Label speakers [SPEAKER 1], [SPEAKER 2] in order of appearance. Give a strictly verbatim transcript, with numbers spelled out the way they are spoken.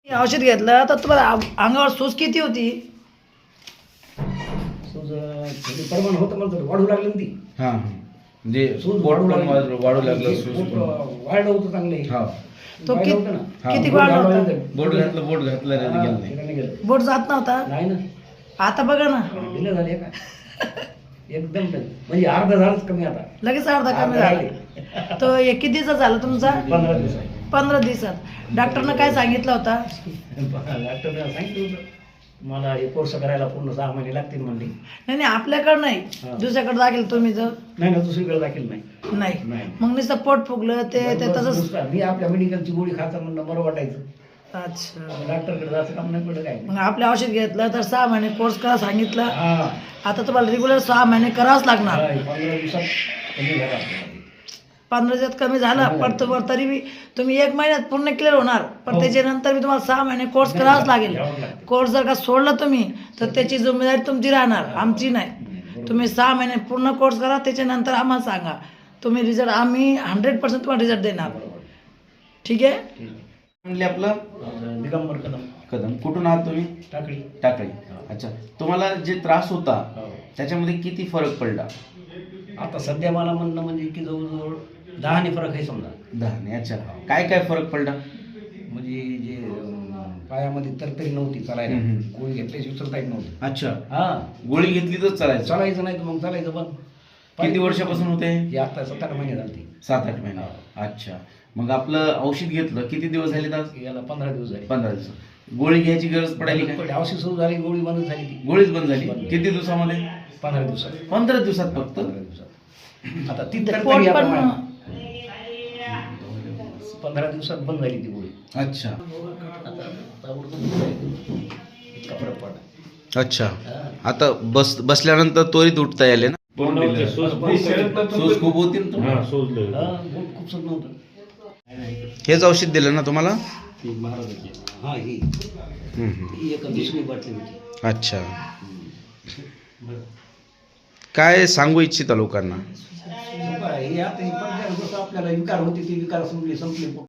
[SPEAKER 1] औषध घेतलं तर तुम्हाला आ- अंगावर सूज किती होती?
[SPEAKER 2] सूज थोडी प्रमाण होतं मला तर वाढू लागली ना ती.
[SPEAKER 3] हां हां म्हणजे
[SPEAKER 2] सूज
[SPEAKER 3] पोट
[SPEAKER 2] वाढू
[SPEAKER 3] पण
[SPEAKER 2] लागली.
[SPEAKER 3] वाढ- वाढू लागलं
[SPEAKER 2] ते
[SPEAKER 3] सूज
[SPEAKER 2] पोट
[SPEAKER 3] पण.
[SPEAKER 2] वाढलं होतं चांगले.
[SPEAKER 3] हा
[SPEAKER 1] तो
[SPEAKER 2] वाढलं
[SPEAKER 1] कि-
[SPEAKER 2] होतं ना.
[SPEAKER 3] हा,
[SPEAKER 1] किती
[SPEAKER 3] बोट
[SPEAKER 1] वाढला
[SPEAKER 2] घालून
[SPEAKER 1] होता?
[SPEAKER 2] होतं.
[SPEAKER 3] बोट घातलं बोट घातलं रे,
[SPEAKER 2] हा,
[SPEAKER 3] गेलं नाही.
[SPEAKER 2] तिकडे गेलं.
[SPEAKER 1] बोट जात नव्हता.
[SPEAKER 2] नाही ना
[SPEAKER 1] आता बघा ना,
[SPEAKER 2] दिलं झाले का एकदम टन. म्हणजे अर्धा झालंच कमी आता.
[SPEAKER 1] लगेच अर्धा कमी
[SPEAKER 2] अर्धा
[SPEAKER 1] झाला.
[SPEAKER 2] राहिले.
[SPEAKER 1] तो एक किती दिवसाचा झाला तुमचा?
[SPEAKER 2] पंधरा दिवस
[SPEAKER 1] पंधरा दिवसात. डॉक्टरनं काय सांगितलं होता?
[SPEAKER 2] डॉक्टरने सांगितलं होतं मला हे कोर्स करायला पूर्ण सहा महिने लागतील म्हणले.
[SPEAKER 1] नाही नाही, आपल्याकडं नाही,
[SPEAKER 2] हा.
[SPEAKER 1] दुसऱ्याकडे दाखल तुम्ही जर
[SPEAKER 2] नाही ना दुसरीकडे दाखल नाही.
[SPEAKER 1] नाही,
[SPEAKER 2] नाही.
[SPEAKER 1] मग नुसतं पोट फुगलं ते ते
[SPEAKER 2] बस
[SPEAKER 1] तसंच.
[SPEAKER 2] नुसतं मी आपल्या मेडिकलची गोळी खायचं म्हणलं बरं वाटायचं.
[SPEAKER 1] अच्छा,
[SPEAKER 2] डॉक्टरकडे जायचं काम नाही पडलं काय.
[SPEAKER 1] मग आपलं औषध घेतलं तर सहा महिने कोर्स करा सांगितलं.
[SPEAKER 2] हा
[SPEAKER 1] आता तुम्हाला रेग्युलर सहा महिने करावंच लागणार.
[SPEAKER 2] हा, हे पंधरा दिवसात कमी झाला आपल्याला.
[SPEAKER 1] पंधरा दिवसात कमी झाला, पण तुम्हाला तरी बी तुम्ही एक महिन्यात पूर्ण क्लिअर होणार, पण
[SPEAKER 2] हो.
[SPEAKER 1] त्याच्यानंतर मी तुम्हाला सहा महिने कोर्स करावाच लागेल.
[SPEAKER 2] घ्यावंच लागतं.
[SPEAKER 1] कोर्स जर का सोडला तुम्ही तर त्याची जिम्मेदारी तुमची राहणार, आमची नाही.
[SPEAKER 2] बरोबर.
[SPEAKER 1] तुम्ही सहा महिने पूर्ण कोर्स करा, त्याच्यानंतर आम्हाला सांगा. तुम्ही रिझल्ट, आम्ही हंड्रेड पर्सेंट तुम्हाला रिझल्ट देणार.
[SPEAKER 2] बरोबर.
[SPEAKER 1] ठीक आहे.
[SPEAKER 2] ठीक आहे.
[SPEAKER 3] म्हणले आपलं
[SPEAKER 2] अं, दिगंबर कदम
[SPEAKER 3] कदम कुठून आहात तुम्ही?
[SPEAKER 2] टाकळी.
[SPEAKER 3] टाकळी. अच्छा, तुम्हाला जे त्रास होता
[SPEAKER 2] हो.
[SPEAKER 3] त्याच्यामध्ये किती फरक पडला?
[SPEAKER 2] आता सध्या मला म्हणणं म्हणजे की जवळजवळ दहाने फरक आहे समजा.
[SPEAKER 3] दहा. अच्छा, काय काय फरक पडला?
[SPEAKER 2] म्हणजे जे अं, पायामध्ये तरतरी नव्हती चालायला.
[SPEAKER 3] हम्म, हम्म.
[SPEAKER 2] गोळी घेतल्याची उचलता येत नव्हती.
[SPEAKER 3] अच्छा,
[SPEAKER 2] हा
[SPEAKER 3] गोळी घेतली तर चालायचं.
[SPEAKER 2] चालायचं नाही तर मग चालायचं पण.
[SPEAKER 3] किती वर्षापासून होते?
[SPEAKER 2] हे आता सात आठ महिने झाले.
[SPEAKER 3] सात आठ महिने. अच्छा, मग आपलं औषध घेतलं किती दिवस झाले? आज
[SPEAKER 2] याला पंधरा दिवस झाले.
[SPEAKER 3] पंधरा दिवस. गोळी घ्यायची गरज पडायली काय?
[SPEAKER 2] पण औषध सुरू झाली गोळी बंद झाली ती.
[SPEAKER 3] गोळीच बंद झाली.
[SPEAKER 2] बंद.
[SPEAKER 3] किती दिवसामध्ये?
[SPEAKER 2] पंधरा दिवसात.
[SPEAKER 3] पंधरा दिवसात फक्त.
[SPEAKER 2] पंधरा दिवसात. आता ती
[SPEAKER 1] ते
[SPEAKER 2] तरतरी
[SPEAKER 1] पोट
[SPEAKER 2] आता
[SPEAKER 1] पण
[SPEAKER 2] मा- पंधरा दिवसात बंद झाली ती गोळी.
[SPEAKER 3] अच्छा
[SPEAKER 2] आता ताबडतोब इतका फरक पडला.
[SPEAKER 3] अच्छा,
[SPEAKER 2] हा.
[SPEAKER 3] आता बस बसल्यानंतर त्वरित उठता येईल ना?
[SPEAKER 2] सूज
[SPEAKER 3] सूज खूप होती ना
[SPEAKER 2] हा,
[SPEAKER 3] तुम्हाला?
[SPEAKER 2] बोट खूप सुट नव्हतं.
[SPEAKER 3] हेच औषध दिलं ना तुम्हाला?
[SPEAKER 2] ती महाराजाची. हा ही
[SPEAKER 3] हम्म, हम्म.
[SPEAKER 2] ही एक दुसरी बाटली होती.
[SPEAKER 3] अच्छा, काय सांगू इच्छिता लोकांना?
[SPEAKER 2] हे आता हे पण जसं आपल्याला विकार होते ती विकार संपली संपली